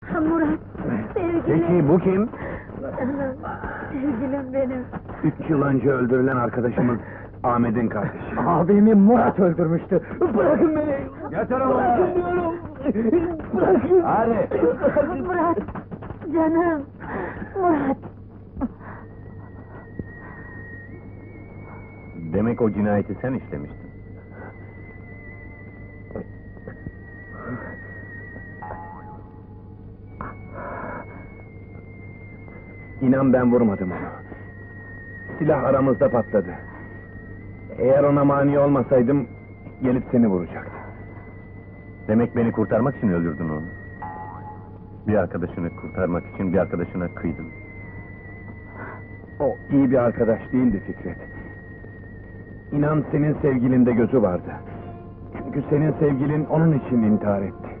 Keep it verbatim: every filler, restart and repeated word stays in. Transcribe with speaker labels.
Speaker 1: Murat, sevgilim!
Speaker 2: Peki bu kim?
Speaker 1: Canım, sevgilim benim!
Speaker 2: Üç yıl önce öldürülen arkadaşımın Ahmet'in kardeşi.
Speaker 3: Abimi Murat öldürmüştü. Bırakın beni!
Speaker 2: Yeter ama!
Speaker 3: Bırakın diyorum! Bırakın!
Speaker 2: Hadi!
Speaker 1: Murat, canım! Murat!
Speaker 2: Demek o cinayeti sen işlemiştin. İnan ben vurmadım onu. Silah aramızda patladı. Eğer ona mani olmasaydım, gelip seni vuracaktı.
Speaker 4: Demek beni kurtarmak için öldürdün onu. Bir arkadaşını kurtarmak için bir arkadaşına kıydın.
Speaker 2: O iyi bir arkadaş değildi Fikret. İnan senin sevgilinde gözü vardı. Çünkü senin sevgilin onun için intihar etti.